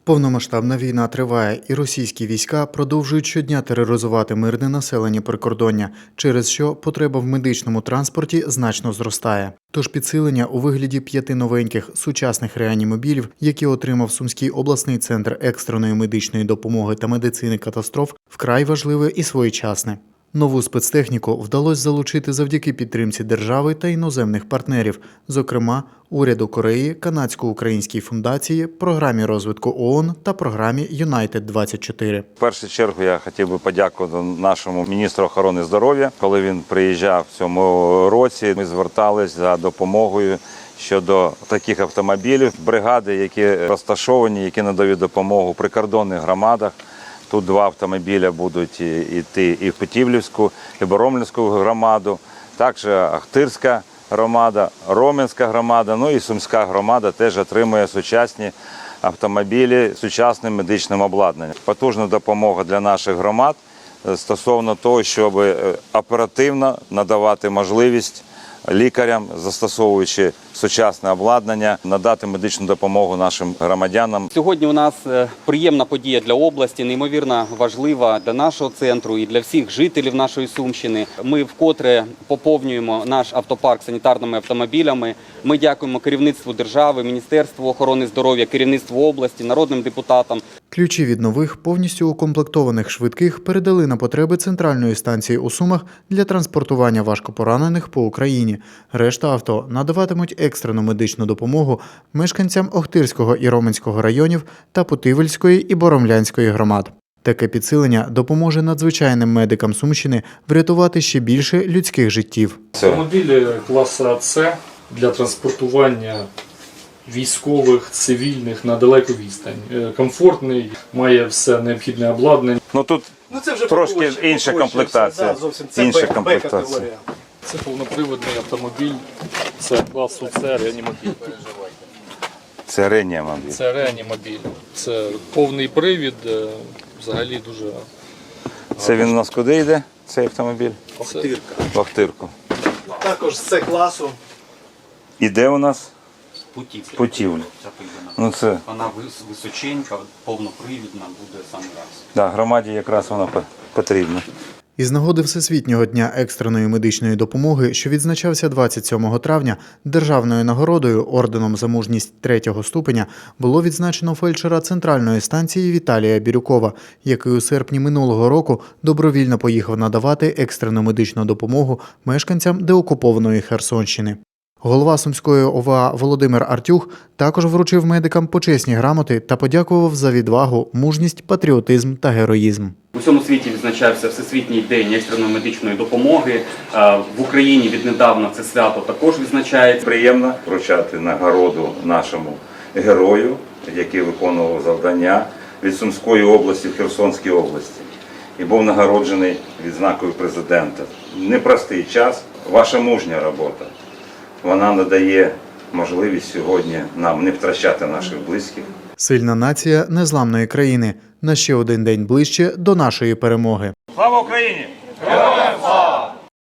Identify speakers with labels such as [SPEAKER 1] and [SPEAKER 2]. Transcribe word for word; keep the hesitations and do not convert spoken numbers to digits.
[SPEAKER 1] Повномасштабна війна триває, і російські війська продовжують щодня тероризувати мирне населення прикордоння, через що потреба в медичному транспорті значно зростає. Тож підсилення у вигляді п'яти новеньких сучасних реанімобілів, які отримав Сумський обласний центр екстреної медичної допомоги та медицини катастроф, вкрай важливе і своєчасне. Нову спецтехніку вдалося залучити завдяки підтримці держави та іноземних партнерів, зокрема, уряду Кореї, Канадсько-Українській фундації, програмі розвитку ООН та програмі Юнайтед двадцять чотири.
[SPEAKER 2] В першу чергу я хотів би подякувати нашому міністру охорони здоров'я. Коли він приїжджав в цьому році, ми звертались за допомогою щодо таких автомобілів, бригади, які розташовані, які надають допомогу в прикордонних громадах. Тут два автомобіля будуть йти і в Путівлівську, і Боромлівську громаду, також Ахтирська громада, Роменська громада, ну і Сумська громада теж отримує сучасні автомобілі з сучасним медичним обладнанням. Потужна допомога для наших громад стосовно того, щоб оперативно надавати можливість лікарям, застосовуючи сучасне обладнання, надати медичну допомогу нашим громадянам.
[SPEAKER 3] Сьогодні у нас приємна подія для області, неймовірно важлива для нашого центру і для всіх жителів нашої Сумщини. Ми вкотре поповнюємо наш автопарк санітарними автомобілями. Ми дякуємо керівництву держави, Міністерству охорони здоров'я, керівництву області, народним депутатам.
[SPEAKER 1] Ключі від нових, повністю укомплектованих швидких передали на потреби центральної станції у Сумах для транспортування важкопоранених по Україні. Решта авто надаватимуть екстрену медичну допомогу мешканцям Охтирського і Роменського районів та Путивльської і Боромлянської громад. Таке підсилення допоможе надзвичайним медикам Сумщини врятувати ще більше людських життів.
[SPEAKER 4] Автомобілі класу С для транспортування військових, цивільних на далеку відстань. Комфортний, має все необхідне обладнання.
[SPEAKER 2] Ну тут ну, це вже трошки інша комплектація.
[SPEAKER 5] Це
[SPEAKER 2] інша комплектація.
[SPEAKER 4] Це повноприводний автомобіль, це класу С реанімобіль.
[SPEAKER 2] Це реанімобіль.
[SPEAKER 4] Це реанімобіль. Це повний привід, взагалі дуже...
[SPEAKER 2] Це він у нас куди йде, цей автомобіль?
[SPEAKER 5] Охтирка.
[SPEAKER 2] В Охтирку.
[SPEAKER 5] Також з С-класу.
[SPEAKER 2] І де у нас?
[SPEAKER 3] Путівля.
[SPEAKER 2] Путівля. Ну, це...
[SPEAKER 3] Вона височенька, повнопривідна, буде саме раз.
[SPEAKER 2] Да, громаді якраз вона потрібна.
[SPEAKER 1] Із нагоди Всесвітнього дня екстреної медичної допомоги, що відзначався двадцять сьомого травня, державною нагородою орденом за мужність третього ступеня було відзначено фельдшера центральної станції Віталія Бірюкова, який у серпні минулого року добровільно поїхав надавати екстрену медичну допомогу мешканцям деокупованої Херсонщини. Голова Сумської О В А Володимир Артюх також вручив медикам почесні грамоти та подякував за відвагу, мужність, патріотизм та героїзм.
[SPEAKER 3] У всьому світі відзначався Всесвітній день екстреної медичної допомоги. В Україні віднедавна це свято також відзначається.
[SPEAKER 2] Приємно вручати нагороду нашому герою, який виконував завдання від Сумської області в Херсонській області. І був нагороджений відзнакою президента. Непростий час, ваша мужня робота. Вона надає можливість сьогодні нам не втрачати наших близьких.
[SPEAKER 1] Сильна нація незламної країни. На ще один день ближче до нашої перемоги.
[SPEAKER 2] Слава Україні! Героям слава!